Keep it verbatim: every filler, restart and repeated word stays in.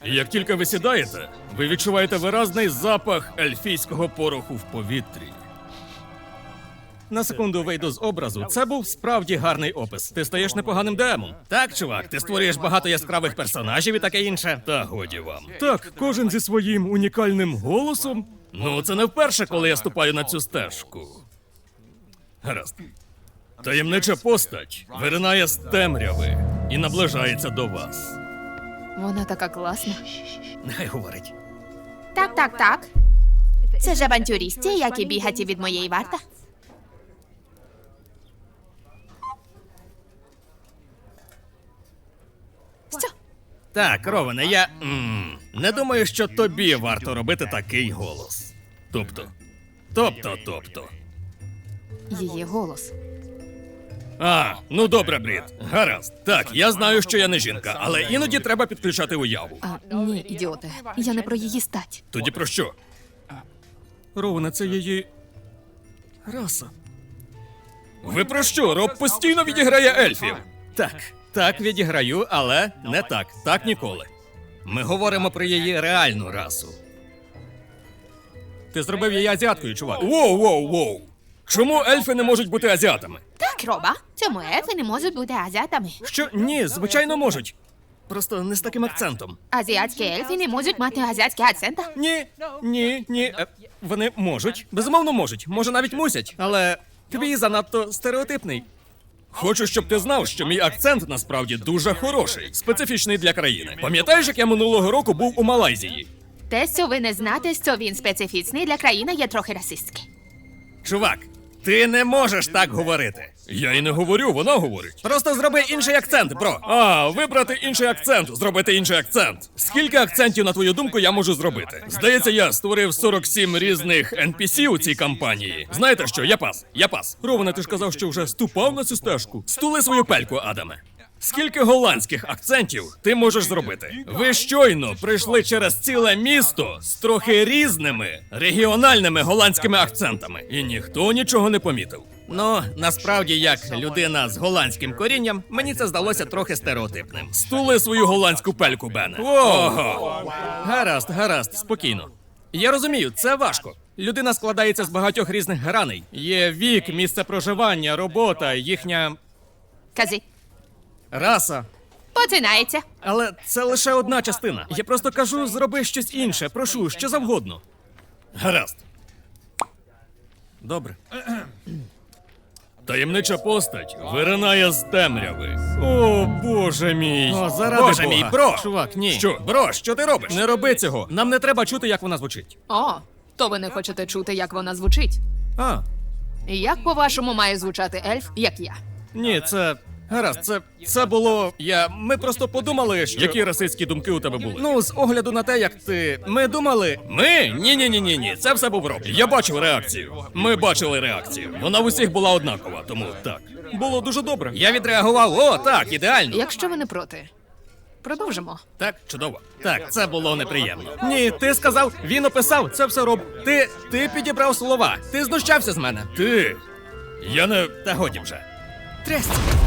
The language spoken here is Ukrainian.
І як тільки ви сідаєте, ви відчуваєте виразний запах ельфійського пороху в повітрі. На секунду вийду з образу. Це був справді гарний опис. Ти стаєш непоганим демом. Так, чувак, ти створюєш багато яскравих персонажів і таке інше. Та годі вам. Так, кожен зі своїм унікальним голосом. Ну, це не вперше, коли я ступаю на цю стежку. Гаразд. Таємнича постать виринає з темряви і наближається до вас. Вона така класна. Нехай говорить. Так, так, так. Це ж авантюристи, які бігаті від моєї варта. Що? Так, Роване, я м, не думаю, що тобі варто робити такий голос. Тобто, тобто, тобто. Її голос. А, ну добре, Брід. Гаразд. Так, я знаю, що я не жінка, але іноді треба підключати уяву. А, ні, ідіоте. Я не про її стать. Тоді про що? Роване, це її раса. Ви про що? Роб постійно відіграє ельфів. Так, так відіграю, але не так. Так ніколи. Ми говоримо про її реальну расу. Ти зробив її азіаткою, чувак. Воу, воу, воу. Чому ельфи не можуть бути азіатами? Так, Роба. Цьому ельфи не можуть бути азіатами. Що? Ні, звичайно можуть. Просто не з таким акцентом. Азіатські ельфи не можуть мати азіатський акцент. Ні, ні, ні. Е, вони можуть. Безумовно можуть. Може, навіть мусять. Але твій занадто стереотипний. Хочу, щоб ти знав, що мій акцент насправді дуже хороший, специфічний для країни. Пам'ятаєш, як я минулого року був у Малайзії? Те, що ви не знаєте, що він специфічний для країни, є трохи расистський. Чувак, ти не можеш так говорити. Я і не говорю, вона говорить. Просто зроби інший акцент, бро. А, вибрати інший акцент, зробити інший акцент. Скільки акцентів, на твою думку, я можу зробити? Здається, я створив сорок сім різних ен пі сі у цій кампанії. Знаєте що, я пас, я пас. Роване, ти ж казав, що вже ступав на цю стежку. Стули свою пельку, Адаме. Скільки голландських акцентів ти можеш зробити? Ви щойно прийшли через ціле місто з трохи різними регіональними голландськими акцентами, і ніхто нічого не помітив. Ну, насправді, як людина з голландським корінням, мені це здалося трохи стереотипним. Стули свою голландську пельку, Бене. Ого! Гаразд, гаразд, спокійно. Я розумію, це важко. Людина складається з багатьох різних граней. Є вік, місце проживання, робота, їхня Кази. раса. Починається. Але це лише одна частина. Я просто кажу, зроби щось інше. Прошу, що завгодно. Гаразд. Добре. Таємнича постать виринає з темряви. О, боже мій. О, заради Боже Бога. мій, бро! Чувак, ні. Що? Бро, що ти робиш? Не роби цього. Нам не треба чути, як вона звучить. О, то ви не хочете чути, як вона звучить. А, Як, по-вашому, має звучати ельф, як я? ні, це... Гаразд, це, це було... Я... Ми просто подумали, що... Які расистські думки у тебе були? Ну, з огляду на те, як ти... Ми думали... Ми? Ні-ні-ні-ні-ні, це все був Роб. Я бачив реакцію. Ми бачили реакцію. Вона в усіх була однакова, тому так. Було дуже добре. Я відреагував, о, так, ідеально. Якщо ви не проти, продовжимо. Так, чудово. Так, це було неприємно. Ні, ти сказав, він описав, це все Роб. Ти... Ти підібрав слова. Ти знущався з мене. Ти... Я не... Та годі вже. Трясся.